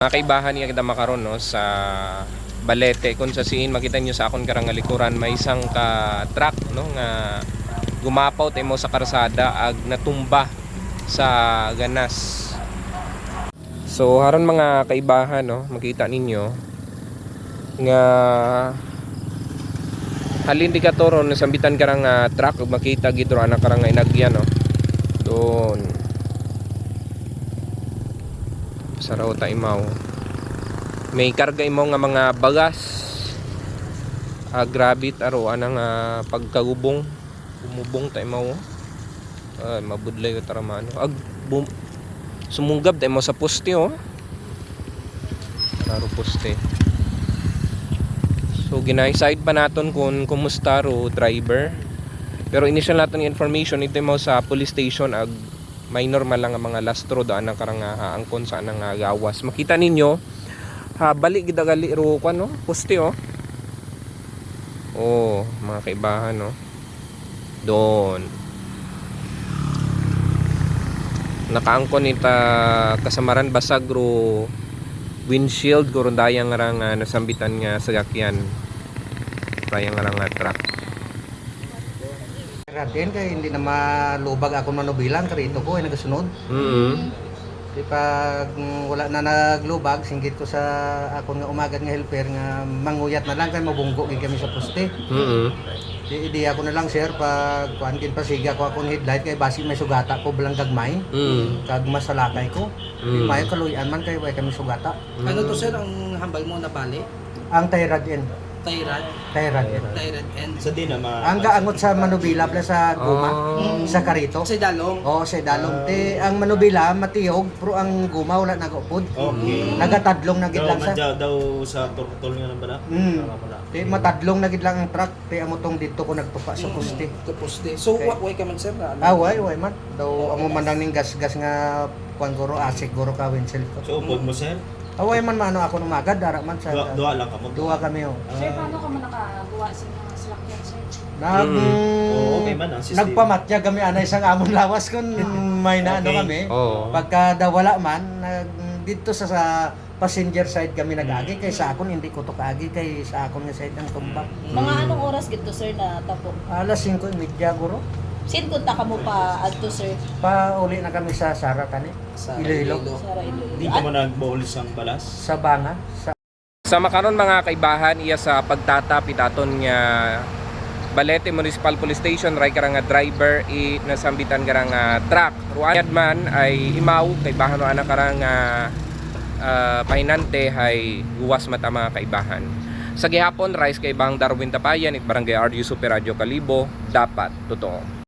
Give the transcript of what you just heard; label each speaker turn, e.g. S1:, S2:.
S1: Mga kaibahan niya kita makaroon no, sa Balete kung sa siin makita nyo sa akong karang likuran may isang ka truck no nga gumapaw tayo mo sa karsada ag natumba sa ganas. So haron mga kaibahan no, makita ninyo nga halin di ka toron nasambitan karang truck ug makita gid ro anak karang inagyan no. Doon saraw ta imaw may karga imo nga mga bagas grabe taro anang pagkagubong umubong ta imaw mabudlay ka taramano sumunggab ta mo sa poste oh raro poste. So ginay-side pa naton kung kumusta ro driver, pero initial naton information ito mo sa police station ag may normal lang ang mga lastro daan ang karang angkon sa anang gawas. Makita ninyo balik gid gali ro kan no poste oh. Oh, mga kaibahan no. Doon. Nakaangkon ita kasamaran basag ro windshield guro dayang ngarang nasambitan nga sagakyan. Dayang ngarang truck.
S2: Ratin kay hindi na malubag ako manubilang karito ko ay nagasunod. Di pag wala na naglubag, singgit ko sa akong nga umagad nga helper nga manguyat na lang kay mabunggo gid kami sa poste. Di ako na lang sir pag kuan kin pasiga ko akong headlight kay basi may sugata ko belang gagmay. Kag masalakay ko. Di may kaluyan man kay way kami sugata.
S3: Ano to sir ang hambal mo na bali?
S2: Ang Tyrad N.
S3: Tyrad N.
S4: Sa di na
S2: Ang gaangot sa Manubila pala sa guma, sa karito.
S3: Sa dalong.
S2: Oo, sa dalong. Ang Manubila matiyog, pero ang guma wala nagaupod.
S4: Okay.
S2: Nagatadlong na gid lang sa.
S4: Daw sa turtol nga na ba na?
S2: Matadlong na gid lang ang truck, kaya amo tong dito ko nagtupa sa poste.
S3: Sa poste. So
S2: Okay.
S3: way ka man sir na.
S2: Way man. Daw amo man lang ning gas-gas nga kuan guro asik guro ka windshield ko.
S4: So upod mo sir?
S2: Way man maano ako numagad dara man sa.
S4: Duwa lang ka mo.
S2: Duwa kami oh.
S5: Sir, paano ka man nakagawa sa mga salakyan, sir?
S4: Okay man ang system.
S2: Nagpamatya kami anay isang amon lawas kun may naano
S4: Okay.
S2: kami.
S1: Oo.
S2: Pagka dawala man dito sa passenger side kami nag-agi kay sa akon hindi ko to kaagi kay sa akon nga side ang tumbak.
S5: Mga anong oras gito, sir, na tapo?
S2: Alas 5:30 guro.
S5: Sin kunta ka mo pa adto, sir,
S2: Pauli na kami sa Sara tani.
S3: Sa
S2: Iloilo.
S5: sa Iloilo.
S4: Di ka mo nagbawalis ang balas?
S2: Sa Banga.
S1: Sa makaron mga kaibahan iya sa pagtatapit aton nga Balete Municipal Police Station ray karang driver nasambitan karang truck. Ruanyad man ay imaw kaibahan no ana karang pahinante hay guwas mata mga kaibahan. Sa gihapon rise kay Bang Darwin Tapayan it Barangay RU Super Radio Kalibo dapat totoo.